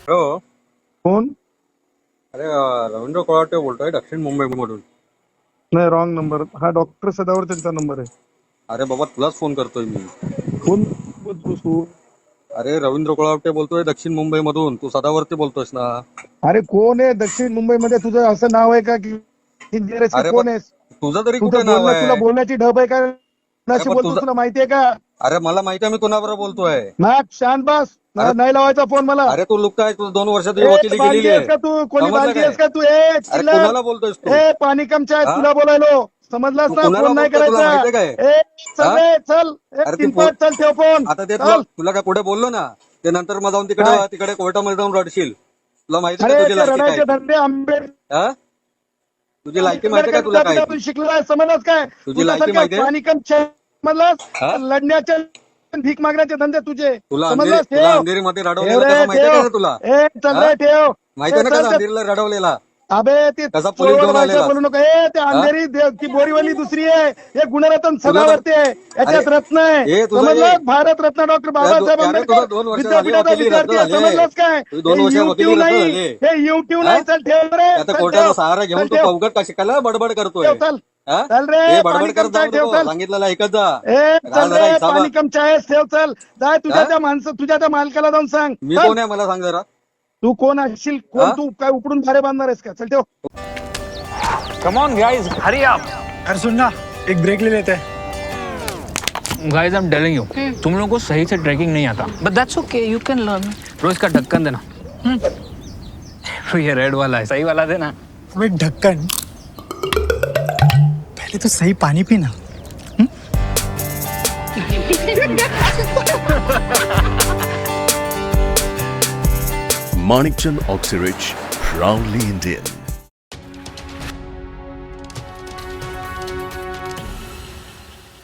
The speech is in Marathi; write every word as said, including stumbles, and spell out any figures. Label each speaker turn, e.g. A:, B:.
A: हॅलो.
B: कोण?
A: अरे अ, रवींद्र कोळाटे बोलतोय दक्षिण मुंबईमधून.
B: नाही, रॉंग नंबर. हा डॉक्टर सदावर त्यांचा नंबर आहे.
A: अरे बाबा तुलाच फोन करतोय मी.
B: कोण बोलतोस तू?
A: अरे रवींद्र कोळाटे बोलतोय दक्षिण मुंबईमधून. तू सदावरती बोलतोयस ना?
B: अरे कोण आहे दक्षिण मुंबईमध्ये? तुझं असं नाव आहे का की इंजिनियर आहेस की
A: अरे पण
B: कोण आहेस?
A: तुझं तरी कुठे
B: तुझं
A: नाव
B: बोलणं, तुला
A: आहे?
B: बोलण्याची ढब आहे का?
A: अरे
B: कोणाशी
A: पण
B: बोलतोस
A: तुझं,
B: तुला माहितीये का?
A: अरे मला माहिती आहे मी कोणाबरोबर बोलतोय.
B: नाक शांत बस.
A: अरे
B: ना- नाही लावायचा फोन मला.
A: अरे तू लुक काय, तू दोन वर्ष तुझी
B: ए
A: वकिली
B: बालदी
A: केलेली
B: आहेस
A: आहे.
B: का तू? कोणी
A: समजलं
B: बालदी
A: काय?
B: आहेस का तू? ए
A: अरे
B: चिल्लर.
A: कुणाला बोलतोयस तू?
B: ए पाणी कमच्या
A: हा?
B: तुला बोलायलो. समजलास
A: तू
B: ना?
A: कुणाला
B: फोन नाही
A: बोलतोय तुला
B: करायचा.
A: माहितीये काय?
B: ए चल
A: हा?
B: रे चल. ए
A: अरे ती
B: किनपट चल, ठेव फोन.
A: आता ते तुला
B: चल.
A: तुला काय पुढे बोललो ना, ते नंतर मग जाऊन तिकडे
B: काय?
A: तिकडे कोर्टामध्ये जाऊन रडशील. तुला माहिती का
B: अरे
A: तुझी
B: ते
A: लायकी काय
B: रडायचे
A: ती?
B: धंदे आंबेड
A: हा? तुझी लायकी माहिती का तुला काय ती?
B: शिकलाय समजलास काय?
A: तुझी लायकी
B: तुझ्यासारख्या
A: माहितीये?
B: पाणी कम समजलास?
A: हा?
B: लढण्याचे भीक मागण्याचे धंदे तुझे.
A: तुला अंधेरी
B: समजलास?
A: तुला
B: ठेव
A: अंधेरीमध्ये
B: ठेव
A: रडवलेलं
B: रे
A: कसं माहितीये
B: ठेव.
A: का तुला?
B: ए चल
A: हा?
B: रे ठेव.
A: माहितीये
B: ए
A: ना
B: चल
A: कसा
B: ते.
A: अंधेरीला रडवलेला?
B: अबे ती
A: कसा पोलीस
B: चोरवड
A: घेऊन
B: भाषा
A: आलेला?
B: बोलू नका. ए ते
A: हा?
B: अंधेरी दे- ती बोरीवली दुसरी आहे. हे गुणरत्न
A: तुला तर
B: सदावर्ती आहे.
A: अरे
B: याच्यात रत्न आहे.
A: हे तुझं हे
B: समजलास? भारत रत्न डॉक्टर
A: तुझ्या दो-
B: बाबासाहेब
A: अरे तुझं
B: आंबेडकर
A: दोन वर्ष झाली
B: विद्यापीठाचा
A: वकिली रद्द
B: विद्यार्थी आहे.
A: झाली.
B: समजलास काय?
A: तुझी दोन
B: हे
A: वर्ष वकिली
B: युट्यूब
A: रद्द
B: नाही.
A: झाली.
B: हे युट्यूब
A: हा?
B: नाही. चल ठेव रे.
A: आता
B: चल
A: कोर्टाचा
B: ठेव.
A: सहारा
B: चल
A: घेऊन तू
B: ठेव.
A: पवगट का शिकायला बडबड करतोय?
B: ठेव चल.
A: हा?
B: चल रे
A: हे
B: पाणी
A: बडबड करत
B: कम चाय
A: जाऊ
B: ठेव
A: नको,
B: चल.
A: सांगितलेलं ऐकत जा.
B: ए
A: राहा
B: चल
A: जरा
B: रे
A: हिसाबात.
B: पाणी कम चाय ठेव चल. जाय तुझ्या
A: हा?
B: त्या माणसं तुझ्या त्या मालकाला जाऊन सांग.
A: मी
B: चल.
A: कोण आहे मला सांग जरा.
B: तू कोण असशील? कोण
A: हा?
B: तू? काय उपडून भारे बांधणार आहेस का? चल ठेव.
C: कम ऑन गाइस, हरी आप।
D: अरे सुन ना, एक ब्रेक ले लेते हैं।
C: Guys I am telling you, तुम लोगों को सही से ट्रैकिंग नहीं आता।
E: But that's okay, you can learn.
C: रोज का ढक्कन देना। तो ये रेड वाला है, सही वाला देना।
D: वो एक ढक्कन, पहले तो सही पानी पीना।
F: Manikchand Oxyrich, proudly Indian.